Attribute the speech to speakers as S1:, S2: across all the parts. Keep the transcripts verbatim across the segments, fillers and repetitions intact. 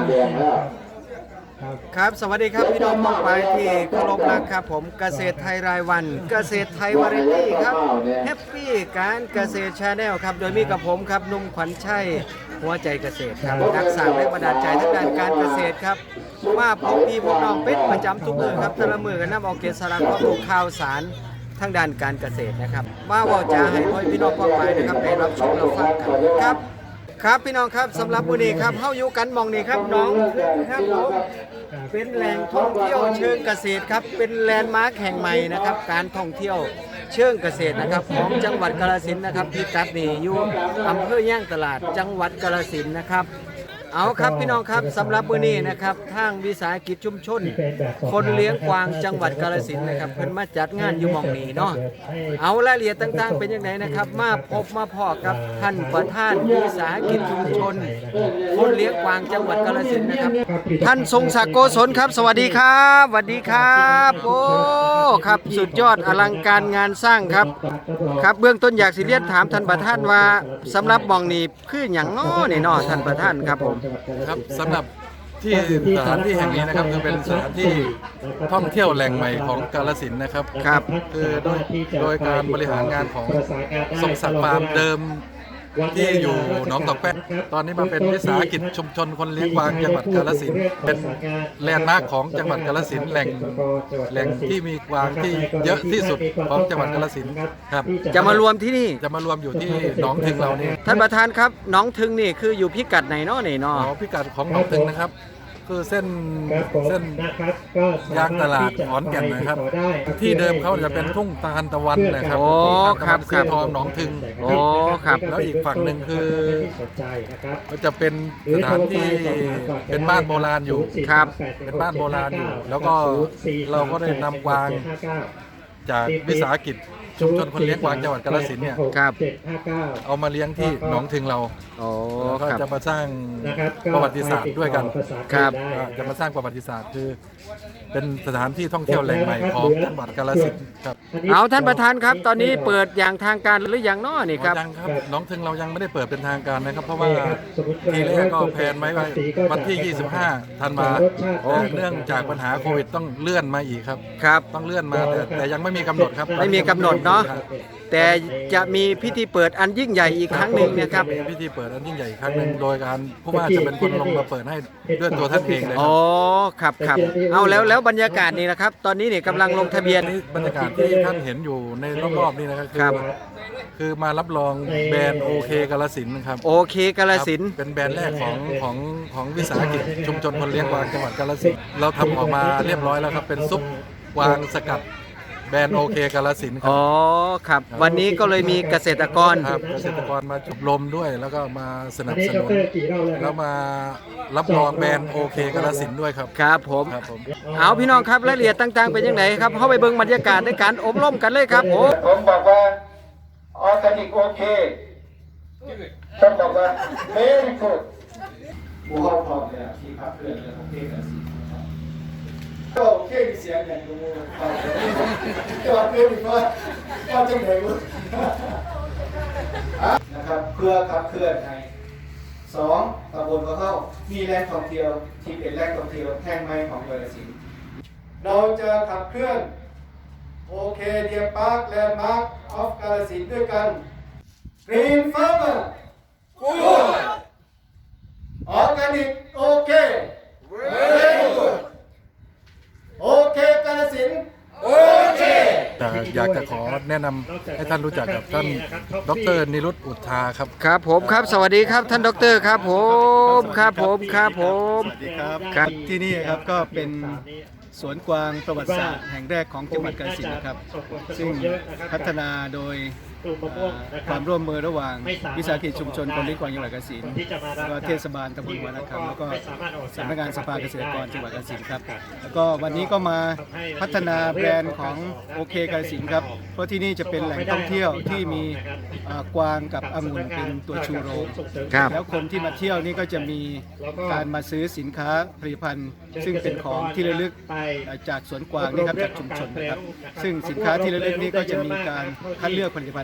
S1: แดงแล้ว
S2: ครับสวัสดีครับพี่น้องมองไปที่เคารพรักครับผมเกษตรไทยรายวันเกษตรไทยวาไรตี้ครับแฮปปี้การเกษตรชาแนลครับโดยมีกับผมครับนุ่มขวัญชัยหัวใจเกษตรครับนักสร้างแรงบันดาลใจทางด้านการเกษตรครับมาพบพี่พบน้องเป็นประจำทุกมือครับแต่ละมือกันนำเอาเกษตรสารข้อมูลข่าวสารทางด้านการเกษตรนะครับมาว่าจะให้พ่อพี่น้องมองไปนะครับได้รับชมรับฟังกันครับครับพี่น้องครับสำหรับวันนี้ครับเฮาอยู่กันมองนี่ครับน้องครับผมเป็นแหล่งท่องเที่ยวเชิงเกษตรครับเป็นแลนด์มาร์คแห่งใหม่นะครับการท่องเที่ยวเชิงเกษตรนะครับของจังหวัดกาฬสินธุ์นะครับพิกัดนี่อยู่อำเภอย่างตลาดจังหวัดกาฬสินธุ์นะครับเอาครับพี่น้องครับสำหรับมื้อนี้นะครับทางวิสาหกิจชุมชนคนเลี้ยงกวางจังหวัดกาฬสินธุ์นะครับเพิ่นมาจัดงานอยู่หม่องนี้เนาะเอารายละเอียดต่างๆเป็นยังไงนะครับมาพบมาพอกับท่านประธานวิสาหกิจชุมชนคนเลี้ยงกวางจังหวัดกาฬสินธุ์นะครับท่านทรงศักดิ์โกศลครับสวัสดีครับสวัสดีครับโอ้ครับสุดยอดอลังการงานสร้างครับครับเบื้องต้นอยากสิเรียนถามท่านประธานว่าสำหรับหม่องนี้คือหยังน้อนี่เนาะท่านประธานครับผม
S3: ครับสำหรับที่สถานที่แห่งนี้นะครับคือเป็นสถานที่ท่องเที่ยวแหล่งใหม่ของกาฬสินธุ์นะครับ
S2: ครับ
S3: คือโดยโดยการบริหารงานของทรงศักดิ์ฟาร์มเดิมที่อยู่หนองตอกแป้นตอนนี้มาเป็นวิสาหกิจชุมชนคนเลี้ยงกวางจังหวัดกาฬสินธุ์เป็นแลนด์มาร์คของจังหวัดกาฬสินธุ์แหล่งแหล่งที่มีกวางที่เยอะที่สุดของจังหวัดกาฬสินธุ์ครับ
S2: จะมารวมที่นี่
S3: จะมารวมอยู่ที่หนองถึงเรานี่
S2: ท่านประธานครับหนองถึงนี่คืออยู่พิกัดไหนเนาะนี่เนาะ
S3: อ๋อพิกัดของหนองถึงนะครับคือเส้นเส้นยางตลาดขอนแก่นนะครับที่เดิมเขาจะเป็นทุ่งตาลตะวันนะครับ
S2: โอ้ครับค
S3: สี
S2: รับ
S3: ทองหนองถึง
S2: โอ้ครับ
S3: แล้วอีกฝั่งหนึ่งคือก็จะเป็นสถานที่เป็นบ้านโบราณอยู่
S2: ครับ
S3: เป็นบ้านโบราณอยู่แล้วก็เราก็ได้นำกวางจากวิสาหกิจชุมชนคนเลี้ยงกวางจังหวัดกาฬสินธุ์เนี่ย
S2: ครับ
S3: เอามาเลี้ยงที่หนองถึงเรา
S2: โอ้
S3: ก็
S2: ครับ
S3: จะมาสร้างประวัติศาสตร์ด้วยกัน
S2: ครับ
S3: จะมาสร้างประวัติศาสตร์คือเป็นสถานที่ท่องเที่ยวแหล่งใหม่ของจังหวัดกาฬสินธุ์ครับ
S2: เอาท่านประธานครับตอนนี้เปิดอย่างทางการหรือยังเนาะนี่ครับ
S3: ยังครับหนองถึงเรายังไม่ได้เปิดเป็นทางการนะครับเพราะว่าทีแรกก็แพลนไว้ว่าวันที่ยี่สิบห้าธันวาแต่เนื่องจากปัญหาโควิดต้องเลื่อนมาอีกครับ
S2: ครับ
S3: ต้องเลื่อนมาแต่แต่ยังไม่มีกำหนดครับ
S2: ไม่มีกำหนดเนาะแต่จะมีพิธีเปิดอันยิ่งใหญ่อีกครั้งหนึ่งนะครับ
S3: มีพิธีเปิดอันยิ่งใหญ่อีกครั้งหนึ่งโดยการผู้ว่าจะเป็นคนลงมาเปิดให้ด้วยตัวท่านเองเลย
S2: อ๋อครับครับเอาแล้วแล้วบรรยากาศนี่นะครับตอนนี้เนี่ยกำลังลงทะเบียน
S3: บรรยากาศที่ท่านเห็นอยู่ในรอบๆนี่นะครับคือคือมารับรองแบรนด์โอเคกาฬสินธุ์นะครับ
S2: โอเคกาฬสินธุ์
S3: เป็นแบรนด์แรกของของของวิสาหกิจชุมชนคนเลี้ยงกวางจังหวัดกาฬสินธุ์เราทำออกมาเรียบร้อยแล้วครับเป็นซุปกวางสกัดแบรนด์โอเคกาฬสินธุ์ครับ
S2: อ๋อครับวันนี้ก็เลยมีเกษตรกร
S3: ครับเกษตรกรมาจุดลมด้วยแล้วก็มาสนับสนุนแล้วมารับรองแบรนด์โอเคกาฬสินธุ์ด้วยครับ
S2: ครับผม
S3: ครับผม
S2: เอาพี่น้องครับรายละเอียดต่างๆเป็นยังไงครับเข้าไปเบิ่งบรรยากาศในการอบรมกันเลยครับผม
S1: ผมบอกว่าออร์แกนิกโอเคผมบอกว่าเ very good ผู้เข้าพร้อมเนี่ยที่พักเพื่อนเรื่องของเทศกาลก็โอเคเสียงอย่างดูก็เพื่อนอีกว่าก็จะเหนื่อยมั้งนะครับเพื่อขับเคลื่อนให้สองตำบลก็เข้ามีแหล่งท่องเที่ยวที่เป็นแหล่งท่องเที่ยวแห่งใหม่ของกาฬสินธุ์เราจะขับเคลื่อนโอเคเดียร์พาร์คแลนด์มาร์คออฟกาฬสินธุ์ด้วยกัน Green Farmer Good Organic โอเค Very Good โอเคกาฬสินธุ์โอเค
S3: แต่อยากจะขอแนะนำให้ท่านรู้จักกับท่านดร.นิรุตอุทาครับ
S2: ครับผมครับสวัสดีครับท่านดร.ครับผมครับผมครับผม
S4: สวัสดีครับครับที่นี่ครับก็เป็นสวนกวางประวัติศาสตร์แห่งแรกของจังหวัดกาฬสินธุ์นะครับซึ่งพัฒนาโดยความร่วมมือระหว่างวิสาหกิจชุมชนคนเลี้ยงกวางจังหวัดกาฬสินธุ์ก็เทศบาลตำบลวาระคำแล้วก็สำนักงานสภาเกษตรกรจังหวัดกาฬสินธุ์ครับแล้วก็วันนี้ก็มาพัฒนาแบรนด์ของโอเคกาฬสินธุ์ครับเพราะที่นี่จะเป็นแหล่งท่องเที่ยวที่มีกวางกับองุ่นเป็นตัวชูโรงแล้วคนที่มาเที่ยวนี่ก็จะมีการมาซื้อสินค้าผลิตภัณฑ์ซึ่งเป็นของที่ระลึกจากสวนกวางนี่ครับจากชุมชนนะครับซึ่งสินค้าที่ระลึกนี้ก็จะมีการคัดเลือกผลิตภัณฑ์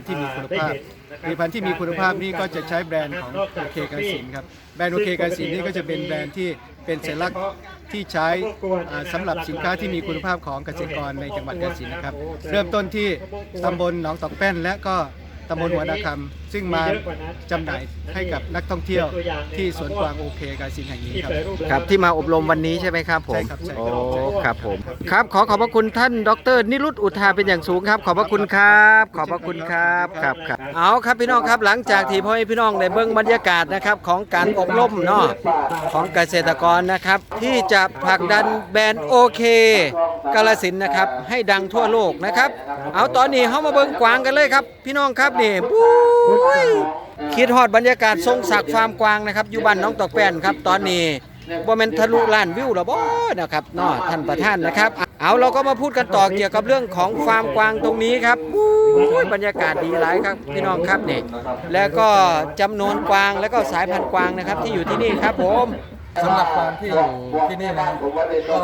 S4: ที่มีคุณภาพผลิตภัณฑ์ที่มีคุณภาพนี่ก็จะใช้แบรนด์ของโอเคกาฬสินธุ์ครับแบรนด์โอเคกาฬสินธุ์นี่ก็จะเป็นแบรนด์ที่เป็นสัญลักษณ์ที่ใช้อ่าสำหรับสินค้าที่มีคุณภาพของเกษตรกรในจังหวัดกาฬสินธุ์นะครับเริ่มต้นที่ตำบลหนองตอกแป้นและก็ตำบลหัวนาคำซึ่งมาจำหน่ายให้กับนักท่องเที่ยวที่สวนกวางโอเคกาฬสินธุ์แห่งนี้ครับ
S2: ครับที่มาอบรมวันนี้ใช่ไหมครับผม
S4: ใช่ครับใช่
S2: โอ้
S4: ครับ
S2: ครับผมครับขอขอบพระคุณท่านดรนิรุตอุทาเป็นอย่างสูงครับ ขอบพระคุณครับ ขอบพระคุณครับครับครับเอาครับพี่น้องครับหลังจากที่พ่อแม่พี่น้องได้เบิ่งบรรยากาศนะครับของการอบรมเนาะของเกษตรกรนะครับที่จะผลักดันแบรนด์โอเคกาฬสินธุ์นะครับให้ดังทั่วโลกนะครับเอาตอนนี้เฮามาเบิ่งกวางกันเลยครับพี่น้องครับนี่ปุ้ยคิดฮอดบรรยากาศทรงศักดิ์ฟาร์มกวางนะครับอยู่บ้านน้องตอกแป้นครับตอนนี้บ่แม่นทะลุล้านวิวแล้วบ่นะครับเนาะท่านประธานนะครับเอาเราก็มาพูดกันต่อเกี่ยวกับเรื่องของฟาร์มกวางตรงนี้ครับปุ้ยบรรยากาศดีหลายครับพี่น้องครับนี่แล้วก็จำนวนกวางแล้วก็สายพันธุ์กวางนะครับที่อยู่ที่นี่ครับผม
S3: สำหรับฟาร์มที่อยู่ที่นี่นะครับก็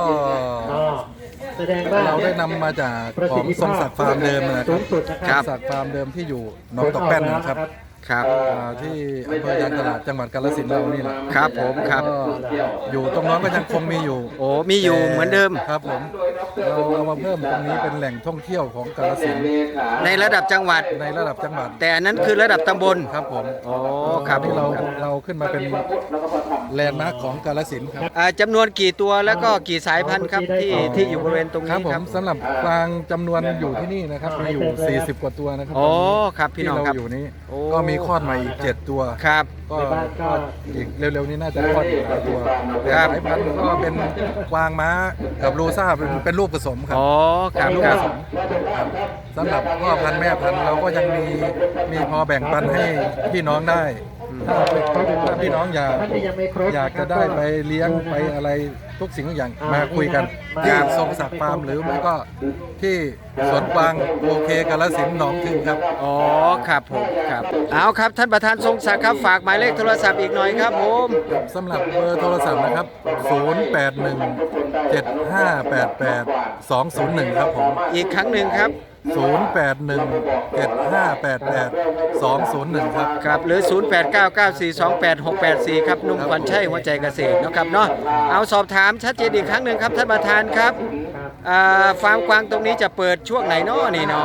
S3: เราได้นำมาจากของทรงศักดิ์ฟาร์มเดิมนะครับ
S2: ครับ
S3: ทรงศักดิ์ฟาร์มเดิมที่อยู่หนองตอกแป้นนะครับ
S2: ครับ
S3: อ่าที่อำเภอยางตลาดจังหวัดกาฬสินธุ์เรานี่แหละ
S2: ครับผมครับ
S3: ก็อยู่ตรงนั้นก็ยังคงมีอยู่
S2: โอ้มีอยู่เหมือนเดิม
S3: ครับผมเราเอามาเพิ่มตรงนี้เป็นแหล่งท่องเที่ยวของกาฬสินธุ์
S2: ในระดับจังหวัด
S3: ในระดับจังหวัด
S2: แต่อันนั้นคือระดับตำบล
S3: ครับผม
S2: โอ้ครับ
S3: ที่เราเราขึ้นมาเป็นแลนด์มาร์คของกาฬสินธุ์ครับ
S2: อ่าจำนวนกี่ตัวแล้วก็กี่สายพันธุ์ครับที่ที่อยู่บริเวณตรง
S3: ครับ
S2: นี้
S3: ผ
S2: ครั
S3: ม
S2: บ
S3: สำหรับกวางจำนวนอยู่ที่นี่นะครับมีอยู่สี่สิบกว่าตัวนะครับ
S2: โอ้ครับพี่
S3: ที่
S2: น้อง
S3: เรา
S2: ครับ
S3: อยู่นี้
S2: โอ้
S3: ก็มีคลอดใหม่อีกเจ็ดตัว
S2: ครับ
S3: ก็ก็อีกเร็วๆนี้น่าจะคลอดอีกหลายตัว
S2: ครับ
S3: สายพันธุ์ก็เป็นกวางม้ากับลูซ่าเป็นเป็นลูกผสมครับ
S2: อ๋อครับ
S3: ลูก
S2: ค
S3: ผ
S2: รับ
S3: สมครับสำหรับพ่อพันธุ์แม่พันธุ์เราก็ยังมีมีพอแบ่งปันให้พี่น้องได้ ถ้าถ้าพี่น้องอยากอยากจะได้ไปเลี้ยงไปอะไรทุกสิ่งทุกอย่างมาคุยกันที่ทรงศักดิ์ฟาร์มหรือไม่ก็ที่สวนกวางโอเคกาฬสินธุ์หนองถึงครับ
S2: อ๋อครับผมครับเอาครับท่านประธานทรงศักดิ์ครับฝากหมายเลขโทรศัพท์อีกหน่อยครับผม
S3: สำหรับเบอร์โทรศัพท์นะครับ ศูนย์ แปด หนึ่ง เจ็ด ห้า แปด แปด สอง ศูนย์ หนึ่ง ครับผม
S2: อีกครั้งหนึ่งครับ
S3: ศูนย์ แปด หนึ่ง เจ็ด ห้า แปด แปด สอง ศูนย์ หนึ่ง ครับ
S2: ครับหรือ ศูนย์ แปด เก้า เก้า สี่ สอง แปด หก แปด สี่ ครับหนุ่มขวัญชัยหัวใจเกษตรเนาะครับเนาะเอาสอบถามชัดเจนอีกครั้งหนึ่งครับท่านประธานครับอ่าฟาร์มกวางตรงนี้จะเปิดช่วงไหนเนาะนี่เนาะ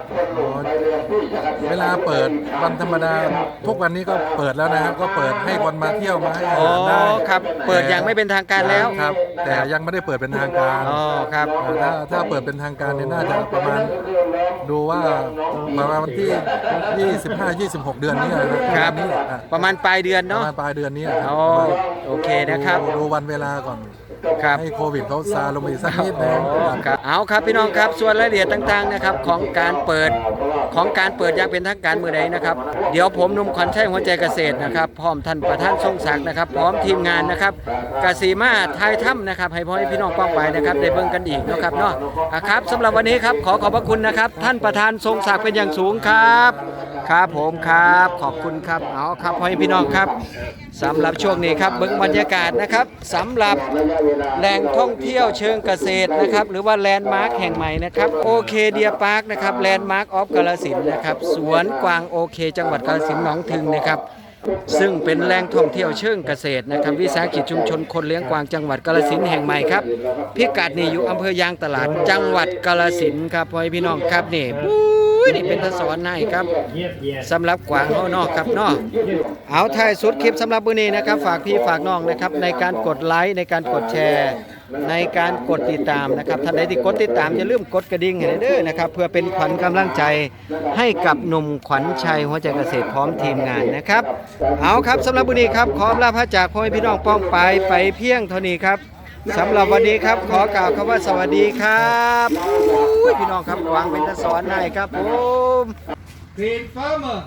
S3: เวลาเปิดวันธรรมดาทุกวันนี้ก็เปิดแล้วนะครับก็เปิดให้คนมาเที่ยวมาให้อา
S2: อ๋อ
S3: หารได้
S2: ครับเปิดอย่างไม่เป็นทางการแล้ว
S3: ครับ แต่ยังไม่ได้เปิดเป็นทางการ
S2: อ๋อครับ
S3: ถ้าถ้าเปิดเป็นทางการเนี่ยน่าจะประมาณดูว่าประมาณวันที่ ยี่สิบห้า ยี่สิบหก เดือนนี้นะครับ นี้อ่ะ
S2: ประมาณปลายเดือน
S3: ประ
S2: เนาะ
S3: มาณปลายเดือนนี้ครั
S2: อ๋อโอเคนะครับ
S3: ดูดูวันเวลาก่อน
S2: ครับ
S3: ให้โควิดเขาซาลงไปอีกสักนิดนึง
S2: ครับเอาครับพี่น้องครับส่วนรายละเอียดต่างๆนะครับของการเปิดของการเปิดอย่างเป็นทางการเมื่อใดนะครับเดี๋ยวผมหนุ่มขวัญชัยหัวใจเกษตรนะครับพร้อมท่านประธานทรงศักดิ์นะครับพร้อมทีมงานนะครับกสีมาทายถ้ำนะครับให้พ่อให้พี่น้องป้องไปนะครับได้เบิ่งกันอีกนะครับเนาะอ่ะครับสำหรับวันนี้ครับขอขอบพระคุณนะครับท่านประธานทรงศักดิ์เป็นอย่างสูงครับครับผมครับขอบคุณครับเอาครับพ่อให้พี่น้องครับสำหรับช่วงนี้ครับเบิ่งบรรยากาศนะครับสำหรับแหล่งท่องเที่ยวเชิงเกษตรนะครับหรือว่าแลนด์มาร์คแห่งใหม่นะครับโอเคเดียพาร์คนะครับแลนด์มาร์คออฟกาฬสินธุ์นะครับสวนกวางโอเคจังหวัดกาฬสินธุ์หนองถึงนะครับซึ่งเป็นแหล่งท่องเที่ยวเชิงเกษตรนะครับวิสาหกิจชุมชนคนเลี้ยงกวางจังหวัดกาฬสินธุ์แห่งใหม่ครับพิกัดนี่อยู่อำเภอยางตลาดจังหวัดกาฬสินธุ์ครับพ่อพี่น้องครับนี่ปุ้ยนี่เป็นทศวรรค์ให้ครับสำหรับกวางเฮานอกครับเนาะเอาท้ายสุดคลิปสำหรับมื้อนี้นะครับฝากพี่ฝากน้องนะครับในการกดไลค์ในการกดแชร์ในการกดติดตามนะครับท่านใดที่กดติดตามอย่าลืมกดกระดิ่งให้เด้อนะครับเพื่อเป็นขวัญกำลังใจให้กับหนุ่มขวัญชัยหัวใจเกษตรพร้อมทีมงานนะครับเอาครับสำหรับมื้อนี้ครับขอลาพระจากพ่อแม่พี่น้องป้องไปไปเพียงเท่านี้ครับสำหรับวันนี้ครับขอกล่าวคำว่าสวัสดีครับอุ้ยพี่น้องครับวางเป็นตะสอนให้ครับผม
S1: Green Farmer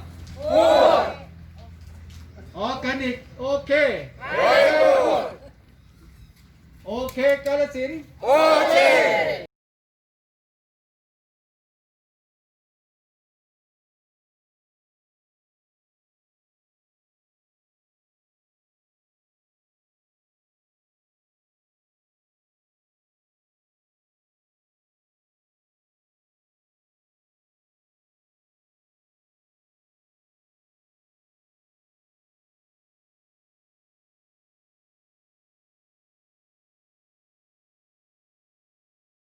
S1: ออร์แกนิกโอเคโอเคกาฬสินธุ์โอเค